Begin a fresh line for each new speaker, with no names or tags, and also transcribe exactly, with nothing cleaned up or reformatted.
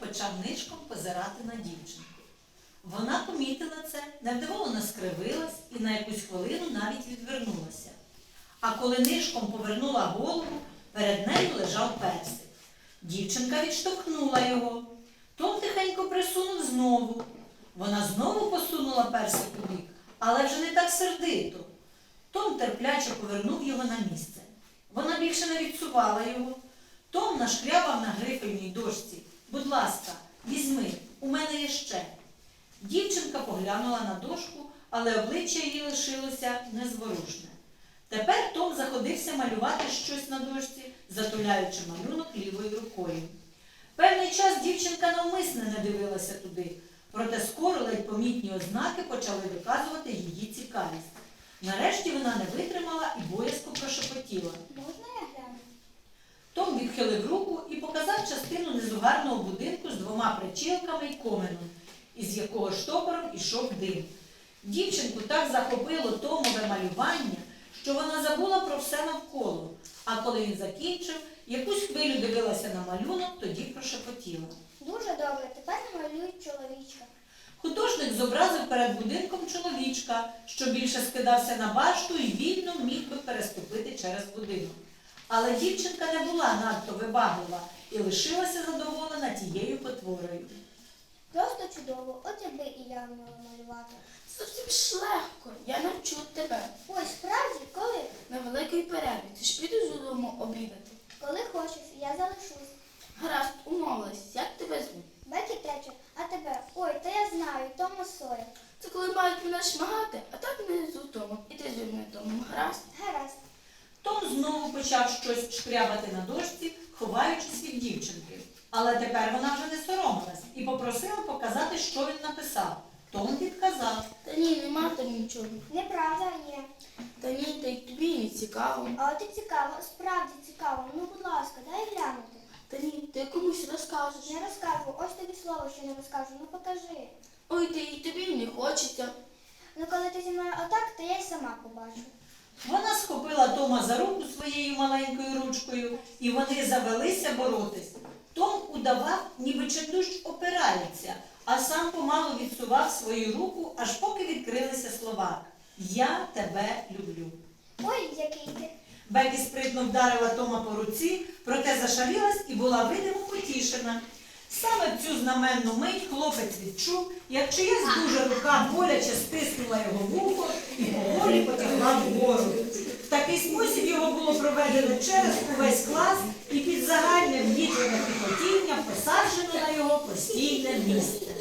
почав нишком позирати на дівчинку. Вона помітила це, невдоволено скривилась і на якусь хвилину навіть відвернулася. А коли нишком повернула голову, перед нею лежав персик. Дівчинка відштовхнула його. Том тихенько присунув знову. Вона знову посунула персик у бік, але вже не так сердито. Том терпляче повернув його на місце. Вона більше не відсувала його. Том нашкрябав на грифельній дошці. «Будь ласка, візьми, у мене є ще». Дівчинка поглянула на дошку, але обличчя її лишилося незворушне. Тепер Том заходився малювати щось на дошці, затуляючи малюнок лівою рукою. Певний час дівчинка навмисне не дивилася туди, проте скоро ледь помітні ознаки почали доказувати її цікавість. Нарешті вона не витримала і боязко прошепотіла.
«Можна я гляну?»
Том відхилив руку і показав частину незугарного будинку з двома причілками й коменом, із якого штопором ішов дим. Дівчинку так захопило Томове малювання, що вона забула про все навколо, а коли він закінчив, якусь хвилю дивилася на малюнок, тоді прошепотіла.
«Дуже добре, тепер намалюють чоловічка».
Художник зобразив перед будинком чоловічка, що більше скидався на башту і вільно міг би переступити через будинок. Але дівчинка не була надто вибаглива і лишилася задоволена тією потворою.
«Просто чудово, от якби і я вміла малювати».
Зовсім ж легко, я навчу тебе.
«Ой, справді, коли?»
На великій перерві, ти ж підеш додому обідати.
«Коли хочеш, я залишусь».
Гаразд, умовилась, як тебе звуть?
«Бекі Тетчер, а тебе?» «Ой, та я знаю, Тома Сойер».
Це коли мають мене шмагати, а так не з Томом. І ти зі мною Томом, гаразд?
«Гаразд».
Том знову почав щось шкрябати на дошці, ховаючись від дівчинки. Але тепер вона вже не соромилась і попросила показати, що він написав. Том відказав.
Та ні, нема там нічого.
«Неправда є».
Та ні, та й тобі і не цікаво.
«А от і цікаво, справді цікаво. Ну, будь ласка, дай глянути».
Та ні, ти комусь розкажеш.
«Не розкажу, ось тобі слово, що не розкажу. Ну, покажи».
Ой, ти і тобі не хочеться.
«Ну, коли ти зі мною отак, то я й сама побачу».
Вона схопила Тома за руку своєю маленькою ручкою, і вони завелися боротись. Том удавав, ніби чендущ опирається, а сам помалу відсував свою руку, аж поки відкрилися слова «Я тебе люблю».
«Ой, який ти».
Бекі спритно вдарила Тома по руці, проте зашарілась і була видимо потішена. Саме в цю знаменну мить хлопець відчув, як чиясь дуже рука боляче стиснула його вухо і поволі потягла вгору. В такий спосіб його було проведено через увесь клас і під загальне вдітлене піхотіння посаджено на його постійне місце.